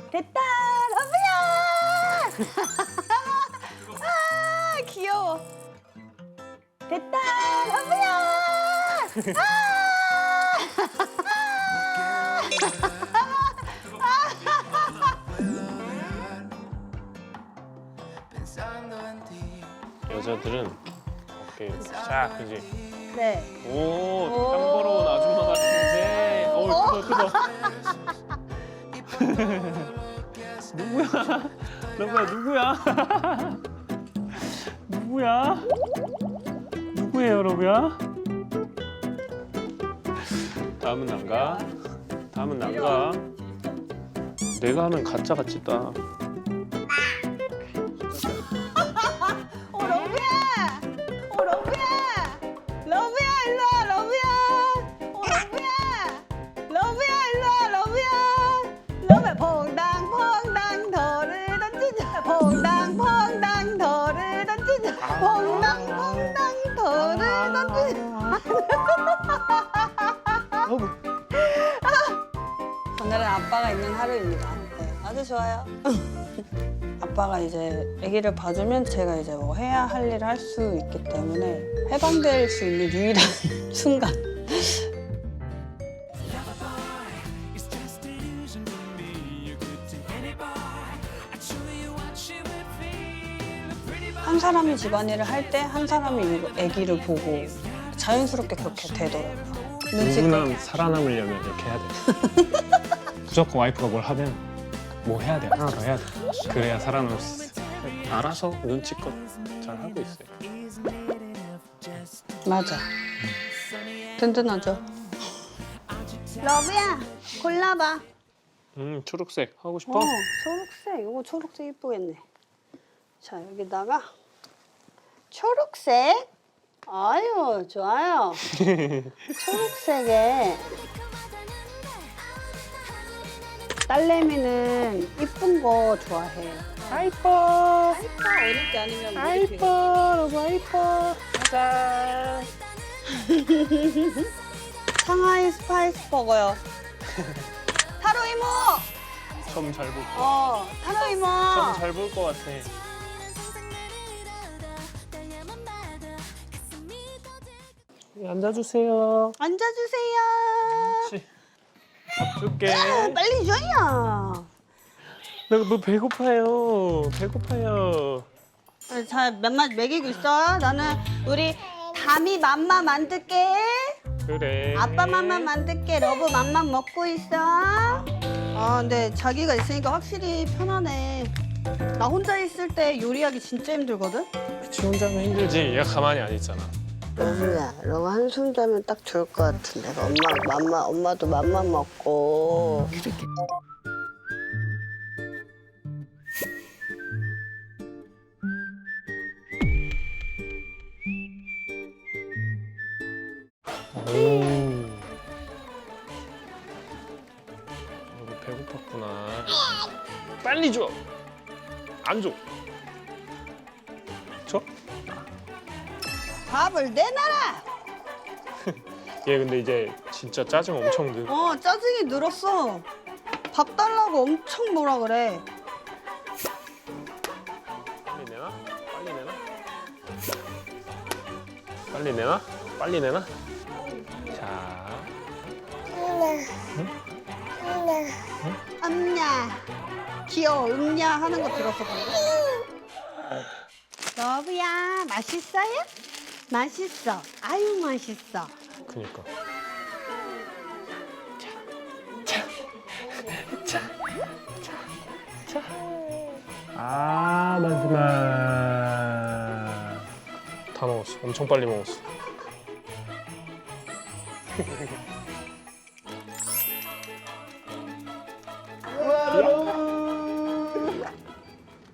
됐다, 러브야! 아, 귀여워. 됐다, 러브야! 여자들은 어깨 이렇게 쫙, 그지? 네. 오, 땅 벌어온 아줌마 같은데. 크다. 누구야? 러브야, 누구야? 누구야? 누구예요, 러브야? 다음은 난가? 다음은 난가? 내가 하면 가짜 같지다. 러브야! 러브야! 러브야, 일로 와, 러브야! 러브야! 러브야, 일로 와, 러브야! 러브야, 퐁당, 퐁당, 덜을 던지자. 퐁당, 퐁당, 덜을 던지자. 퐁당, 퐁당, 덜을 던지자. 오늘은 아빠가 있는 하루입니다. 네, 아주 좋아요. 아빠가 이제 아기를 봐주면 제가 이제 뭐 해야 할 일을 할 수 있기 때문에 해방될 수 있는 유일한 순간. 한 사람이 집안일을 할 때 한 사람이 아기를 보고 자연스럽게 그렇게 되더라고요. 누구나 살아남으려면 이렇게 해야 돼. 무조건 와이프가 뭘 하든 뭐 해야 돼. 하나 더 해야 돼. 그래야 살아남을 수 있어. 알아서 눈치껏 잘 하고 있어요. 맞아. 든든하죠. 러브야, 골라봐. 초록색 하고 싶어? 초록색. 이거 초록색 이쁘겠네. 자, 여기다가 초록색. 아유, 좋아요. 초록색에 딸내미는 이쁜 거 좋아해. 아이뻐. 이뻐, 어릴 때 아니면 아이뻐. 러브 아이뻐. 가자. 상하이 스파이스 버거요. 타로 이모. 점 잘 볼 거. 타로 이모. 점 잘 볼 거 같아. 앉아주세요. 앉아주세요. 그렇지. 밥 줄게. 빨리 줘요. 너 배고파요. 배고파요. 자, 몇맛 먹이고 있어. 나는 우리 담이 맘마 만들게. 그래. 아빠 맘마 만들게. 러브 맘마 먹고 있어. 아, 근데 자기가 있으니까 확실히 편하네. 나 혼자 있을 때 요리하기 진짜 힘들거든. 그치, 혼자 하면 힘들지. 얘가 가만히 안 있잖아. 러브야, 러브 한숨 자면 딱 좋을 것 같은데. 엄마도 맘마 먹고. 오. 너 배고팠구나. 빨리 줘. 안 줘. 줘? 밥을 내놔라. 얘 근데 이제 진짜 짜증 엄청 늘. 짜증이 늘었어. 밥 달라고 엄청 뭐라 그래. 빨리 내놔? 빨리 내놔? 빨리 내놔? 빨리 내놔? 자. 엄냐. 귀여워. 응냐 하는 거 들었어 방금. 러브야, 맛있어요? 맛있어. 아유, 맛있어. 그니까. 아, 마지막. 다 먹었어. 엄청 빨리 먹었어.